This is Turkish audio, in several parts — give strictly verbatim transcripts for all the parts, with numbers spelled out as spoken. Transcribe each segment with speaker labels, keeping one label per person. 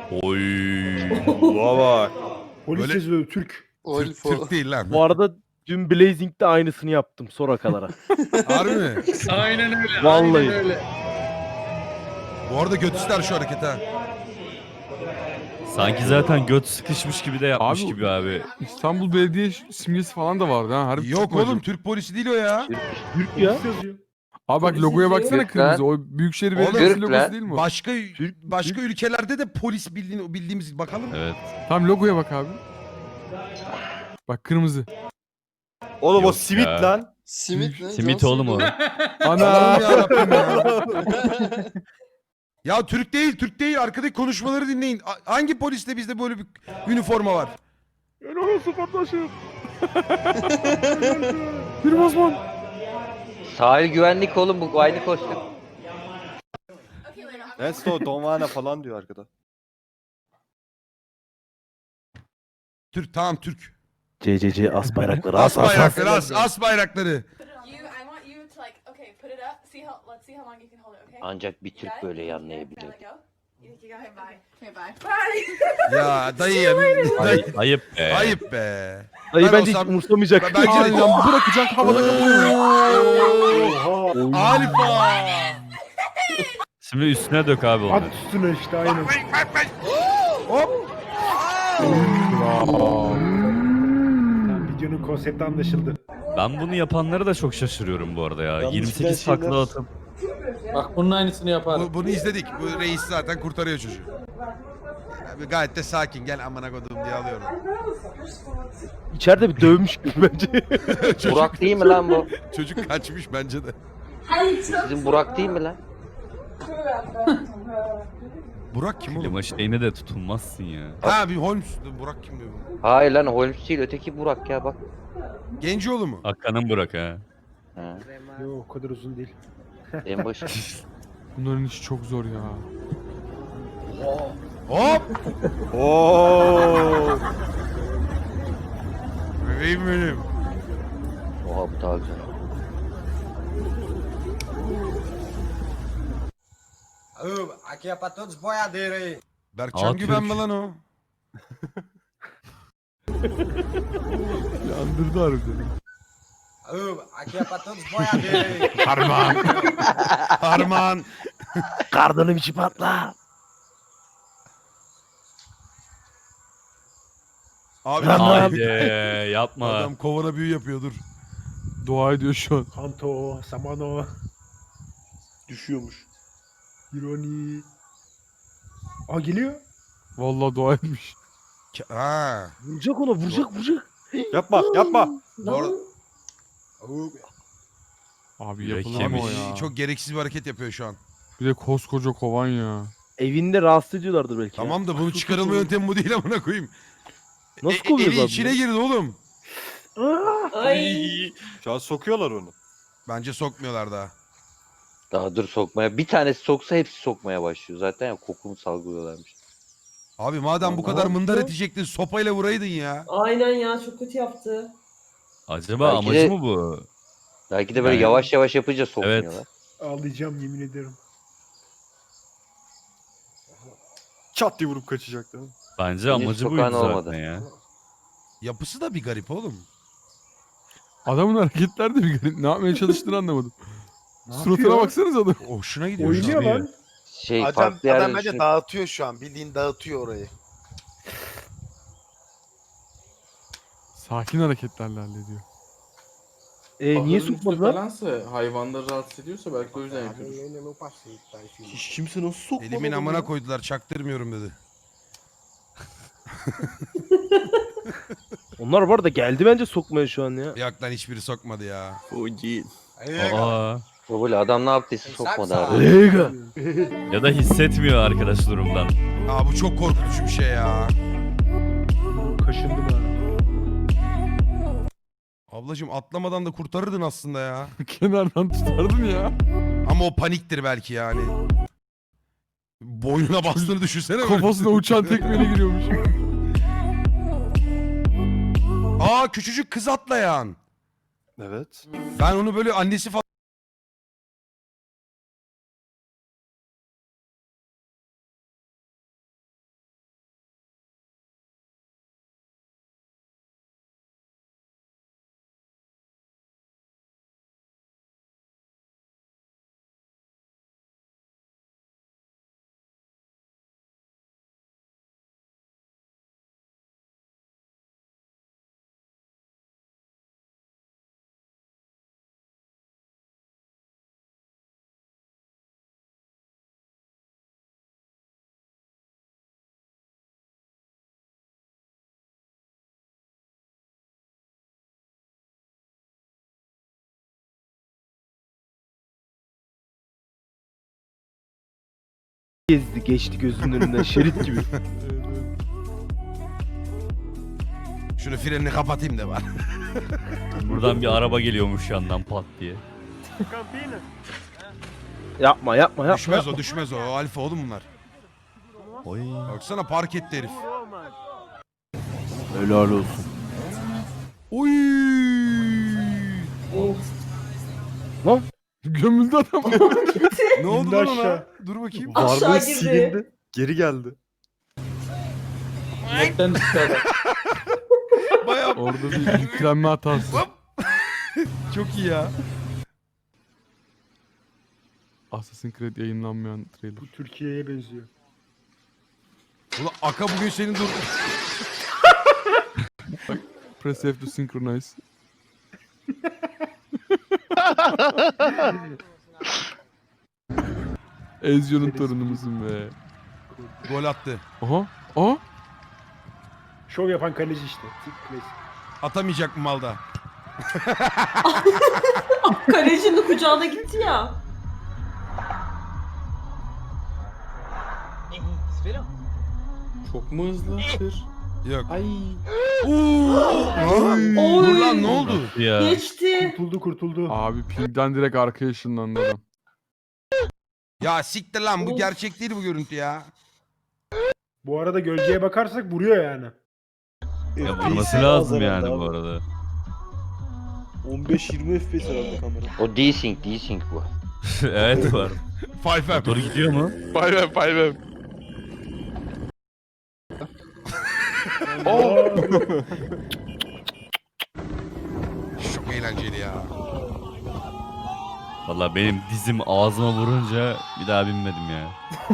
Speaker 1: Oy.
Speaker 2: Baba.
Speaker 3: Polis
Speaker 4: Öyle-
Speaker 3: yazıyor Türk.
Speaker 4: Türk, Türk değil lan.
Speaker 5: Bu arada dün Blazing'de aynısını yaptım Sorakalara.
Speaker 4: Harbi mi?
Speaker 6: Aynen öyle.
Speaker 5: Vallahi.
Speaker 6: Aynen öyle.
Speaker 4: Bu arada göt ister şu hareket ha.
Speaker 1: Sanki zaten göt sıkışmış gibi de yapmış
Speaker 7: Abi-
Speaker 1: gibi abi.
Speaker 7: İstanbul Belediye simgesi falan da vardı ha. Harbi
Speaker 4: Yok
Speaker 7: çıkmadı.
Speaker 4: oğlum, Türk polisi değil o ya.
Speaker 5: Türk ya.
Speaker 3: Polis yazıyor.
Speaker 7: Abi bak logoya baksana
Speaker 8: Türk
Speaker 7: kırmızı.
Speaker 8: lan.
Speaker 7: O Büyükşehir
Speaker 4: Oğlum,
Speaker 7: Belediyesi
Speaker 8: Türk
Speaker 7: logosu
Speaker 8: lan.
Speaker 7: değil mi o?
Speaker 4: Başka başka ülkelerde de polis bildiğin, bildiğimiz bakalım.
Speaker 1: Evet.
Speaker 7: Tam logoya bak abi. Bak kırmızı.
Speaker 2: Oğlum o
Speaker 1: Yok
Speaker 2: simit
Speaker 1: ya.
Speaker 2: lan.
Speaker 8: Simit ne?
Speaker 1: Simit
Speaker 8: John
Speaker 1: oğlum o.
Speaker 8: Cena.
Speaker 7: Ana.
Speaker 4: Allah'ım yarabbim ya. Ya Türk değil, Türk değil. Arkadaki konuşmaları dinleyin. A- hangi poliste bizde böyle bir üniforma var?
Speaker 3: Ben orası kardeşim.
Speaker 7: Bir Osman.
Speaker 8: Sahil güvenlik oğlum bu aynı kostüm.
Speaker 2: Neyse o Donvana falan diyor arkada.
Speaker 4: Türk, tamam Türk.
Speaker 5: C C C as bayrakları
Speaker 4: As
Speaker 5: as as as.
Speaker 4: bayrakları, as, as bayrakları.
Speaker 9: You, I want you to like, okay, put it up. See how, let's see how long you can hold it, okay?
Speaker 8: Ancak bir
Speaker 9: You
Speaker 8: Türk
Speaker 9: got it?
Speaker 8: böyle
Speaker 9: Okay,
Speaker 8: yanlayabilir.
Speaker 9: now let go. You think you got it? Bye. Okay, bye. Bye.
Speaker 4: Ya dayı ya.
Speaker 1: Ay,
Speaker 4: Dayı,
Speaker 1: ayıp be.
Speaker 4: ayıp be.
Speaker 5: Dayı
Speaker 4: Ben
Speaker 5: bence hiç
Speaker 4: olsam-
Speaker 5: umursamayacak.
Speaker 4: Bence de-
Speaker 7: Aynen bırakacak havada kapıyor.
Speaker 3: Oha.
Speaker 4: Alfa.
Speaker 1: Şimdi üstüne dök abi
Speaker 3: At
Speaker 1: onu.
Speaker 3: üstüne işte aynen.
Speaker 4: Hop.
Speaker 3: Tamam, videonun konsepti anlaşıldı.
Speaker 1: Ben bunu yapanları da çok şaşırıyorum bu arada ya.
Speaker 2: Yanlış
Speaker 1: yirmi sekiz
Speaker 2: bilen şeyler-
Speaker 1: takla atıp.
Speaker 6: Bak bunun aynısını yaparım.
Speaker 4: Bu, bunu izledik. Bu reis zaten kurtarıyor çocuğu. Abi gayet de sakin. Gel amına koduğum diye alıyorum.
Speaker 5: İçeride bir dövmüş gibi bence.
Speaker 8: Burak değil mi lan bu?
Speaker 4: Çocuk kaçmış bence de.
Speaker 8: Sizin Burak değil mi lan?
Speaker 4: Burak kim oğlum?
Speaker 1: Klima şeyine de tutulmazsın ya.
Speaker 4: Ha bir Holmes. Burak kim diyor bu?
Speaker 8: Hayır lan Holmes değil öteki Burak ya bak.
Speaker 4: Gencioğlu mu?
Speaker 1: Hakan'ın bırak ha.
Speaker 8: Ha,
Speaker 3: Yok o kadar uzun değil.
Speaker 8: en başı.
Speaker 7: Bunların işi çok zor ya.
Speaker 4: Hop.
Speaker 2: Oo.
Speaker 4: Bebeğim benim.
Speaker 8: Oha bu daha güzel.
Speaker 10: Aqui é pra todos os boiadeiros aí.
Speaker 4: Berkcan
Speaker 1: Aa,
Speaker 4: Güven mi
Speaker 1: Türk.
Speaker 4: lan o?
Speaker 7: Yandırdı harbiden.
Speaker 10: Ô, aqui é pra todos os boiadeiros aí.
Speaker 4: Harman. Harman.
Speaker 5: Kardanım içi patla.
Speaker 4: Abi
Speaker 5: Lan
Speaker 1: Haydi yapma.
Speaker 4: adam kovana büyü yapıyor dur.
Speaker 7: Dua ediyor şu an.
Speaker 3: Kanto, Samano,
Speaker 2: Düşüyormuş.
Speaker 3: Ironi. Aa geliyor.
Speaker 7: Vallahi dua etmiş.
Speaker 4: Ke- Ha.
Speaker 5: Vuracak ona vuracak vuracak.
Speaker 2: Yapma yapma.
Speaker 4: Bu arada
Speaker 7: Abi
Speaker 1: Yürek
Speaker 7: yapılan o
Speaker 1: yemiş.
Speaker 7: ya.
Speaker 4: çok gereksiz bir hareket yapıyor şu an.
Speaker 7: Bir de koskoca kovan ya.
Speaker 5: Evinde rahatsız ediyorlardır belki. ya.
Speaker 4: Tamam da bunu çıkarılma yöntemi bu değil amına koyayım.
Speaker 5: Nasıl
Speaker 4: E-
Speaker 5: kovuyoruz
Speaker 4: Eli
Speaker 5: abi
Speaker 4: içine
Speaker 5: bunu?
Speaker 4: girdi oğlum.
Speaker 9: Ay.
Speaker 2: Şu an sokuyorlar onu.
Speaker 4: Bence sokmuyorlar daha.
Speaker 8: Daha dur sokmaya. Bir tanesi soksa hepsi sokmaya başlıyor. Zaten ya kokunu salgılıyorlarmış.
Speaker 4: Abi madem bu kadar mındar edecektin sopayla vuraydın ya.
Speaker 9: Aynen ya çok kötü yaptı.
Speaker 1: Acaba
Speaker 8: Belki
Speaker 1: amacı
Speaker 8: de-
Speaker 1: mı bu?
Speaker 8: Belki de böyle
Speaker 1: Yani-
Speaker 8: yavaş yavaş yapınca sokmuyorlar.
Speaker 3: Ağlayacağım yemin ederim.
Speaker 2: Çat diye vurup kaçacaktı.
Speaker 1: Bence
Speaker 8: Henüz
Speaker 1: amacı
Speaker 8: sokan
Speaker 1: buydu
Speaker 8: olmadı.
Speaker 1: zaten ya.
Speaker 4: Yapısı da bir garip oğlum.
Speaker 7: Adamın hareketler de bir garip. Ne yapmaya çalıştığını anlamadım.
Speaker 3: Ne
Speaker 7: Suratına
Speaker 3: yapıyor?
Speaker 7: baksanıza adam.
Speaker 4: Hoşuna gidiyor.
Speaker 3: Oynuyor
Speaker 4: şu an.
Speaker 3: lan.
Speaker 8: Şey
Speaker 10: Adam,
Speaker 8: farklı yerden
Speaker 10: adam bence
Speaker 8: düşün-
Speaker 10: dağıtıyor şu an. Bildiğin dağıtıyor orayı.
Speaker 7: Sakin hareketlerle hallediyor.
Speaker 5: E, niye sokmadılar?
Speaker 6: Falansa, hayvanları rahatsız ediyorsa belki o yüzden yapıyordur.
Speaker 2: Hiç kimse nasıl sokmadı?
Speaker 4: Elimin
Speaker 2: onu
Speaker 4: amına
Speaker 2: ya?
Speaker 4: koydular çaktırmıyorum dedi.
Speaker 5: Onlar bu arada geldi bence sokmaya şu an ya.
Speaker 4: Yok lan hiçbiri sokmadı ya.
Speaker 1: Aa.
Speaker 8: Böyle adam ne yaptıysa sokmadı abi.
Speaker 5: Lega.
Speaker 1: Ya da hissetmiyor arkadaş durumdan.
Speaker 4: Aa bu çok korkutucu bir şey ya.
Speaker 3: Kaşındım ha.
Speaker 4: Ablacım atlamadan da kurtarırdın aslında ya.
Speaker 7: Kenardan tutardın ya.
Speaker 4: Ama o paniktir belki yani. Boynuna bastığını düşünsene. böyle.
Speaker 7: Kafasına uçan tekmeyle giriyormuş.
Speaker 4: Aa küçücük kız atlayan.
Speaker 2: Evet.
Speaker 4: Ben onu böyle annesi falan
Speaker 5: gezdi geçti gözünün önünden şerit gibi.
Speaker 4: Şunu frenini kapatayım da var.
Speaker 1: Buradan bir araba geliyormuş yandan pat diye.
Speaker 5: Yapma yapma yapma.
Speaker 4: Düşmez o düşmez o. O alfa oğlum bunlar.
Speaker 1: Oy.
Speaker 4: Baksana park etti herif.
Speaker 5: Helal olsun.
Speaker 4: Oy.
Speaker 7: Gömüldü adam.
Speaker 4: Ne oldu
Speaker 3: İndi
Speaker 4: lan ona?
Speaker 3: aşağı.
Speaker 4: Dur bakayım.
Speaker 2: Varlığı
Speaker 9: girdi.
Speaker 2: silindi. Geri geldi.
Speaker 6: Netten düştü adam.
Speaker 4: Bayağı
Speaker 7: Orada bir yüklenme hatası.
Speaker 4: çok iyi ya.
Speaker 7: Assassin's Creed yayınlanmayan trailer.
Speaker 3: Bu Türkiye'ye benziyor.
Speaker 4: Ulan Aka bugün senin dur.
Speaker 7: Press F to synchronize. Ezio'nun torunumuzun be.
Speaker 4: Gol attı.
Speaker 7: Aha. Aha.
Speaker 3: Şov yapan kaleci işte. Klasik.
Speaker 4: Atamayacak mı malda?
Speaker 9: Kalecinin kucağına gitti ya.
Speaker 6: Çok mu hızlı? Tır.
Speaker 4: Yok.
Speaker 6: Ay.
Speaker 4: Dur lan ne oldu?
Speaker 1: Ya.
Speaker 9: Geçti.
Speaker 3: Kurtuldu kurtuldu.
Speaker 7: Abi pingden direkt arkaya ışınlandı adam.
Speaker 4: Ya siktir lan bu gerçek değil bu görüntü ya.
Speaker 3: Bu arada gölgeye bakarsak vuruyor yani.
Speaker 1: Ya vurması lazım yani bu arada.
Speaker 2: on beş yirmi F P S herhalde kamera.
Speaker 8: O desync desync bu.
Speaker 1: Evet var.
Speaker 4: Five M.
Speaker 1: Motor gidiyor mu?
Speaker 7: Payver payver.
Speaker 4: Çok eğlenceli ya.
Speaker 1: Valla benim dizim ağzıma vurunca bir daha binmedim ya.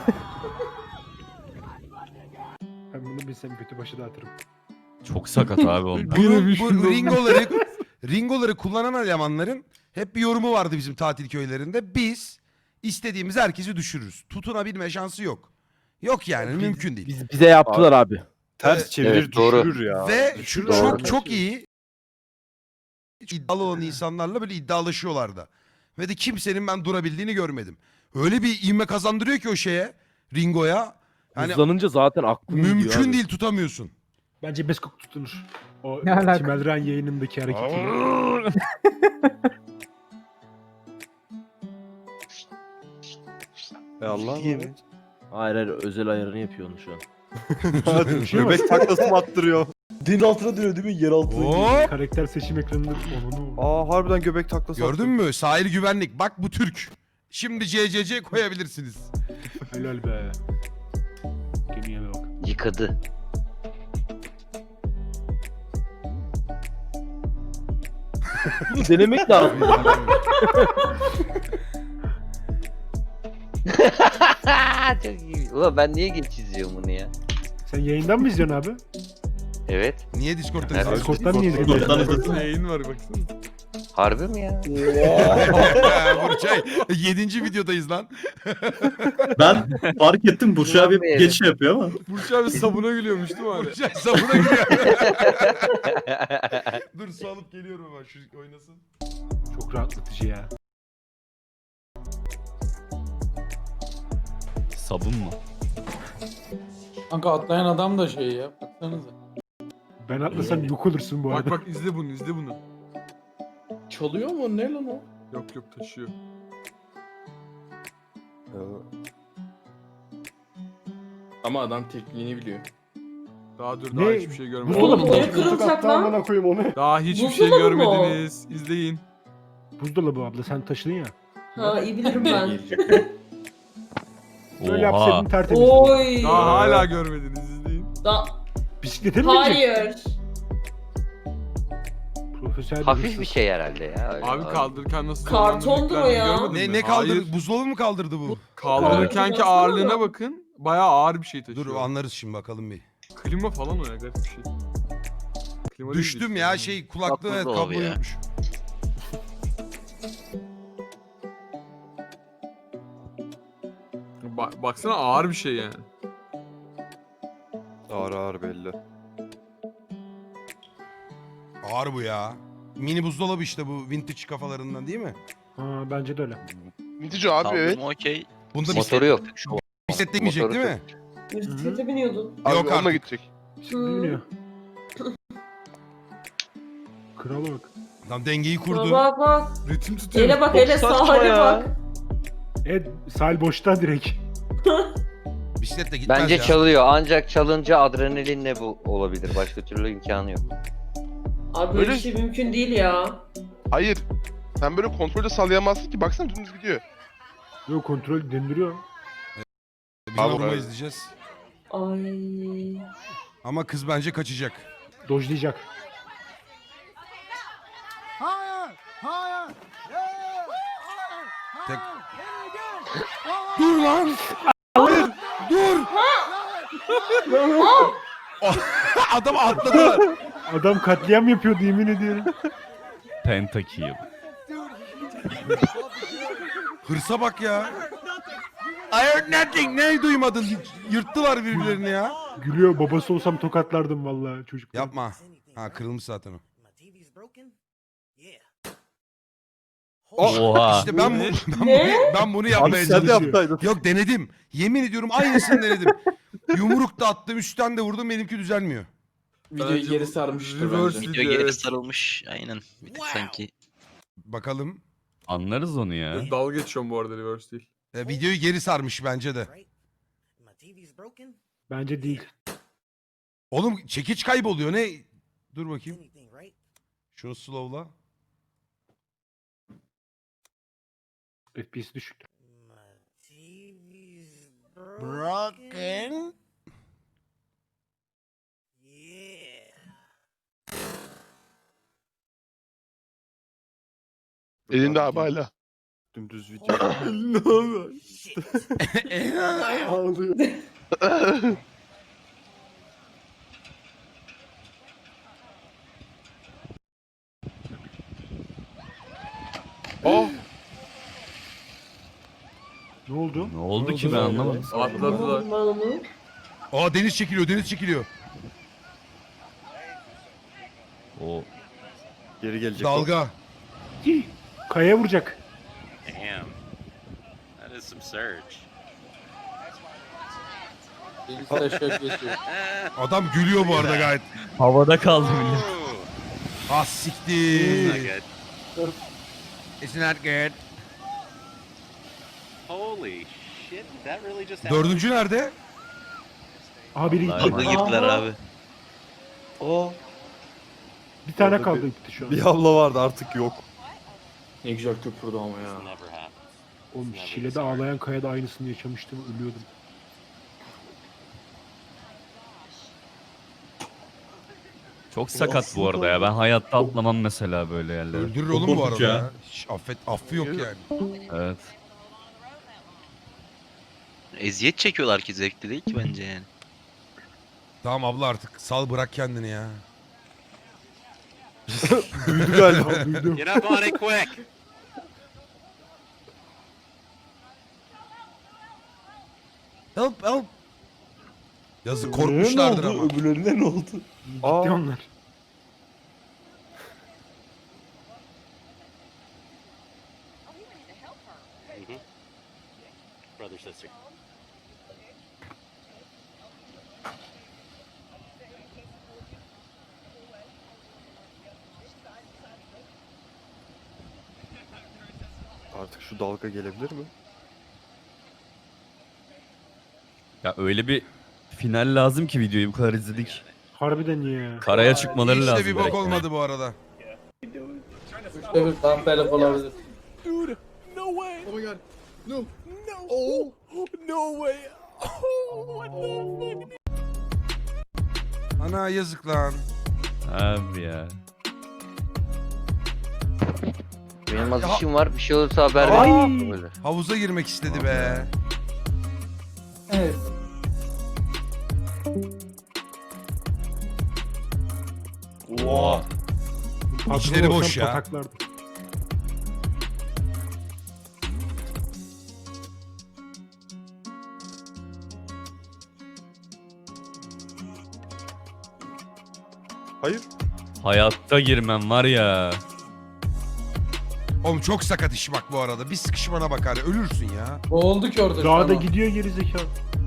Speaker 3: Ben bunu bilsem kötü başı dağıtırım.
Speaker 1: Çok sakat abi onlar.
Speaker 7: Yine bir
Speaker 4: Bu,
Speaker 7: şey
Speaker 4: bu
Speaker 7: oldu.
Speaker 4: ringoları, ringoları kullanan elemanların hep bir yorumu vardı bizim tatil köylerinde. Biz istediğimiz herkesi düşürürüz. Tutunabilme şansı yok. Yok yani mümkün değil.
Speaker 5: Biz, bize yaptılar abi.
Speaker 2: Ters
Speaker 4: Evet,
Speaker 2: çevirir
Speaker 8: evet, doğru.
Speaker 2: düşürür ya.
Speaker 4: Ve
Speaker 2: Düşürür
Speaker 4: çok
Speaker 2: abi.
Speaker 4: çok iyi iddialı olan insanlarla böyle iddialaşıyorlardı. Ve de kimsenin ben durabildiğini görmedim. Öyle bir ivme kazandırıyor ki o şeye, ringoya. Yani
Speaker 5: Hızlanınca zaten aklım gidiyor
Speaker 4: mümkün
Speaker 5: abi.
Speaker 4: değil tutamıyorsun.
Speaker 3: Bence Beskok tutunur. O
Speaker 6: Ne alaka?
Speaker 3: Tim Elren yayınındaki hareketi.
Speaker 2: E Allah mı?
Speaker 5: Hayır hayır özel ayarını yapıyor onu şu an.
Speaker 2: Göbek taklası mı attırıyor? Din altına dönüyor değil mi? Yer altına.
Speaker 4: Hop!
Speaker 3: Karakter seçim ekranında onu.
Speaker 2: Aa harbiden göbek taklası
Speaker 4: Gördün mü? Sahil güvenlik. Bak bu Türk. Şimdi C C C koyabilirsiniz.
Speaker 3: Helal be. Gemiye bak.
Speaker 8: Yıkadı.
Speaker 5: Denemek lazım.
Speaker 8: Çok iyi. Ulan ben niye geç izliyorum bunu ya?
Speaker 3: Sen yayından mı izliyorsun abi?
Speaker 8: Evet.
Speaker 4: Niye Discord'da
Speaker 8: Evet.
Speaker 4: izliyorsun?
Speaker 3: Discord'dan niye izliyorsun?
Speaker 7: Discord'dan yayın var baksana.
Speaker 8: Harbi mi ya?
Speaker 4: Burçay yedinci videodayız lan.
Speaker 11: Ben fark ettim Burcu abi
Speaker 8: Evet.
Speaker 11: geçiş yapıyor ama.
Speaker 7: Burç abi sabuna gülüyormuş değil mi abi?
Speaker 4: Burçay sabuna giriyor. Dur su alıp geliyorum hemen şu oynasın.
Speaker 3: Çok rahatlatıcı ya.
Speaker 1: Sabun mu?
Speaker 6: Kanka atlayan adam da şey ya. Baksanıza.
Speaker 3: Ben atlasam yok olursun bu
Speaker 7: Bak
Speaker 3: arada.
Speaker 7: bak izle bunu izle bunu.
Speaker 6: Çalıyor mu? Ne lan o?
Speaker 7: Yok yok taşıyor.
Speaker 6: Ama adam tekniğini biliyor.
Speaker 7: Daha dur
Speaker 3: Ne?
Speaker 7: daha hiçbir şey görmedim.
Speaker 3: Buzdolabı
Speaker 9: Oğlum,
Speaker 3: mı?
Speaker 9: ne kırılacak lan?
Speaker 3: Amına koyayım onu.
Speaker 7: Daha hiçbir şey
Speaker 9: Buzdolabı mı o?
Speaker 7: görmediniz. İzleyin.
Speaker 3: Buzdolabı abla sen taşıdın ya.
Speaker 9: Ha iyi bilirim ben.
Speaker 3: Böyle yapsaydın
Speaker 1: Oha.
Speaker 3: tertemiz.
Speaker 9: Oy.
Speaker 7: Daha hala görmediniz izleyin.
Speaker 9: Da
Speaker 3: Bisiklete mi binecek?
Speaker 9: hayır.
Speaker 3: Profesyonel
Speaker 8: Hafif
Speaker 3: hırsız.
Speaker 8: bir şey herhalde ya. Öyle
Speaker 7: Abi kaldırırken nasıl
Speaker 9: Kartondu
Speaker 7: zorlandığını
Speaker 9: o ya.
Speaker 7: görmedin
Speaker 4: Ne
Speaker 7: mi?
Speaker 4: ne kaldırdı?
Speaker 7: Hayır.
Speaker 4: Buzdolabı mı kaldırdı bu?
Speaker 7: Kaldırırkenki
Speaker 9: Karton
Speaker 7: ağırlığına
Speaker 9: baksana.
Speaker 7: bakın. Bayağı ağır bir şey taşıyor.
Speaker 4: Dur anlarız şimdi bakalım bir.
Speaker 7: Klima falan o ya garip bir şey. Klima değil
Speaker 4: Düştüm
Speaker 7: işte.
Speaker 4: ya şey kulaklığı evet,
Speaker 8: buzdolabı
Speaker 4: kablo
Speaker 8: ya.
Speaker 4: yokmuş.
Speaker 7: Ba- baksana ağır bir şey yani.
Speaker 2: Ağır ağır belli.
Speaker 4: Ağır bu ya. Mini buzdolabı işte bu vintage kafalarından değil mi?
Speaker 3: Ha bence de öyle.
Speaker 11: Vintage abi evet.
Speaker 8: Okey.
Speaker 4: Bunda
Speaker 8: Motoru yok.
Speaker 4: Bisikletle gidecek değil mi?
Speaker 9: Bisiklete biniyordun.
Speaker 4: Yok artık.
Speaker 2: gidecek.
Speaker 3: Şimdi biniyor. Krala bak.
Speaker 4: Tam dengeyi kurdu.
Speaker 9: Bak bak.
Speaker 2: Ritim tutuyor.
Speaker 9: Ele bak
Speaker 2: Çok
Speaker 9: ele
Speaker 2: saçma
Speaker 9: sahile
Speaker 2: ya.
Speaker 9: bak.
Speaker 3: Evet sahil boşta direkt.
Speaker 4: Bisikletle gitmez
Speaker 8: Bence
Speaker 4: ya.
Speaker 8: çalıyor. Ancak çalınca adrenalinle bu olabilir. Başka türlü imkanı yok.
Speaker 9: Abi böyle bir şey mümkün değil ya.
Speaker 2: Hayır. Sen böyle kontrolü sallayamazsın ki. Baksana dümdüz gidiyor.
Speaker 3: Yok kontrol döndürüyor.
Speaker 4: Bir
Speaker 2: Bravo,
Speaker 4: vurma
Speaker 2: bravo.
Speaker 4: izleyeceğiz.
Speaker 9: Ay.
Speaker 4: Ama kız bence kaçacak.
Speaker 3: Dojlayacak.
Speaker 4: Tek... Dur lan! Dur! Adam atladılar.
Speaker 3: Adam katliam yapıyordu yemin ediyorum.
Speaker 1: Pentakill.
Speaker 4: Hırsa bak ya. I heard nothing. Ne duymadın? Yırttılar birbirlerini ya.
Speaker 3: Gülüyor babası olsam tokatlardım vallahi çocuk.
Speaker 4: Yapma. Ha kırılmış zaten o.
Speaker 1: Oha.
Speaker 4: İşte ben, bu, ben,
Speaker 9: Ne?
Speaker 4: bunu, ben bunu yapmaya
Speaker 2: Abi sen de
Speaker 4: çalışıyorum.
Speaker 2: yapsaydın.
Speaker 4: Yok denedim. Yemin ediyorum aynısını denedim. Yumruk da attım, üstten de vurdum, benimki düzelmiyor.
Speaker 6: Videoyu geri sarmıştır
Speaker 2: reverse
Speaker 6: bence.
Speaker 2: video geri
Speaker 10: sarılmış. Aynen. Bir tık sanki.
Speaker 4: Bakalım.
Speaker 1: Anlarız onu ya.
Speaker 2: Dalga geçiyorum bu arada reverse değil.
Speaker 4: E, videoyu geri sarmış bence de.
Speaker 3: Bence değil.
Speaker 4: Oğlum çekiç kayboluyor ne? Dur bakayım. Şunu slowla.
Speaker 3: F P S düşük.
Speaker 4: Broken.
Speaker 2: Elinde abi hala. Dümdüz video. Ne oluyor? Ağlıyor. Oh!
Speaker 3: Ne oldu?
Speaker 1: Ne oldu ki ben anlamadım.
Speaker 2: Atladılar.
Speaker 9: Ben onu.
Speaker 4: Aa deniz çekiliyor, deniz çekiliyor.
Speaker 1: O
Speaker 2: Geri gelecek.
Speaker 4: Dalga.
Speaker 3: Kayaya vuracak.
Speaker 10: Damn. That is some surge.
Speaker 6: Deniz taşak geçiyor.
Speaker 4: Adam gülüyor bu arada gayet.
Speaker 1: havada kaldı millet.
Speaker 4: Ah siktir.
Speaker 10: Not good.
Speaker 4: It's not good.
Speaker 10: Holy shit, did that really just happen?
Speaker 4: Dördüncü nerede?
Speaker 3: Aha biri
Speaker 1: Vallahi
Speaker 3: gitti.
Speaker 1: bak.
Speaker 10: girdiler
Speaker 9: Aha.
Speaker 10: abi.
Speaker 2: Oh.
Speaker 3: Bir tane
Speaker 2: Orada
Speaker 3: kaldı
Speaker 2: bir-
Speaker 3: gitti şu an.
Speaker 2: Bir abla vardı artık yok.
Speaker 6: Ne güzel köpürdü ama ya.
Speaker 10: Never happened.
Speaker 3: Oğlum Şile'de ağlayan kayada aynısını yaşamıştım ölüyordum.
Speaker 1: Çok sakat bu arada ya. Ben hayatta atlamam mesela böyle yerlere.
Speaker 4: Öldürür oğlum bu arada
Speaker 11: ya.
Speaker 4: ya. Hiç affet, affı yok yani.
Speaker 1: Evet.
Speaker 10: Eziyet çekiyorlar ki zevkli değil ki bence yani.
Speaker 4: Tamam abla artık sal bırak kendini ya.
Speaker 2: Duydu galiba.
Speaker 3: Duydum.
Speaker 10: Get up on it quick.
Speaker 4: Help help. Yazık
Speaker 2: Öbürlerine ne
Speaker 4: korkmuşlardır
Speaker 2: oldu?
Speaker 4: ama.
Speaker 2: Öbürlerine ne oldu?
Speaker 3: Gitti
Speaker 2: Aa.
Speaker 3: onlar.
Speaker 10: Brother sister.
Speaker 2: Artık şu dalga gelebilir mi?
Speaker 1: Ya öyle bir final lazım ki videoyu bu kadar izledik.
Speaker 3: Harbiden ya.
Speaker 1: Karaya çıkmaları
Speaker 4: Hiç de
Speaker 1: lazım.
Speaker 4: bir bok
Speaker 1: direkt.
Speaker 4: olmadı bu arada.
Speaker 6: Üçte bir kamperlik olabilir.
Speaker 4: Ana yazık lan.
Speaker 1: Abi ya.
Speaker 8: Benim az
Speaker 4: Ya-
Speaker 8: işim var. Bir şey olursa haber
Speaker 4: Ay.
Speaker 8: ver. Böyle.
Speaker 4: Havuza girmek istedi be.
Speaker 6: Evet.
Speaker 1: Oha.
Speaker 3: Patron
Speaker 4: İçleri boş
Speaker 3: olsam
Speaker 4: ya.
Speaker 3: pataklardım.
Speaker 2: Hayır.
Speaker 1: Hayatta girmem var ya.
Speaker 4: Oğlum çok sakat iş bak bu arada. Bir sıkışmana bakar. Ölürsün ya.
Speaker 6: Ne oldu ki orada? şu
Speaker 3: Dağda
Speaker 6: an o?
Speaker 3: gidiyor geri zekalı.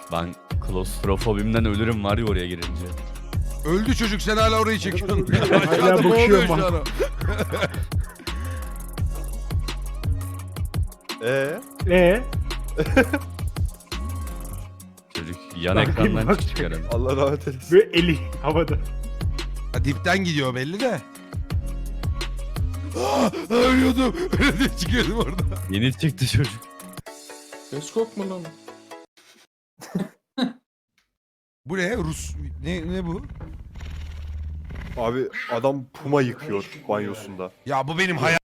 Speaker 1: Ben klostrofobimden ölürüm var ya oraya girince.
Speaker 4: Öldü çocuk, sen hala orayı çekiyorsun.
Speaker 3: Hala
Speaker 4: Aşağıda
Speaker 3: bakıyor
Speaker 4: boğuluyor şu
Speaker 3: bana.
Speaker 4: an o.
Speaker 2: Eee?
Speaker 3: Ee,
Speaker 1: Çocuk yan
Speaker 3: Bak,
Speaker 1: ekrandan
Speaker 3: bak.
Speaker 1: çıkıyor herhalde.
Speaker 2: Allah rahmet eylesin.
Speaker 3: böyle eli havada.
Speaker 4: Ha, dipten gidiyor belli de. Ah, ölüyordum. Öyle diye çıkıyordum orada.
Speaker 1: Yeni çıktı çocuk.
Speaker 6: Göz kokma lan.
Speaker 4: Bu ne? Rus... Ne, ne bu?
Speaker 2: Abi adam puma yıkıyor banyosunda.
Speaker 4: Ya bu benim hayal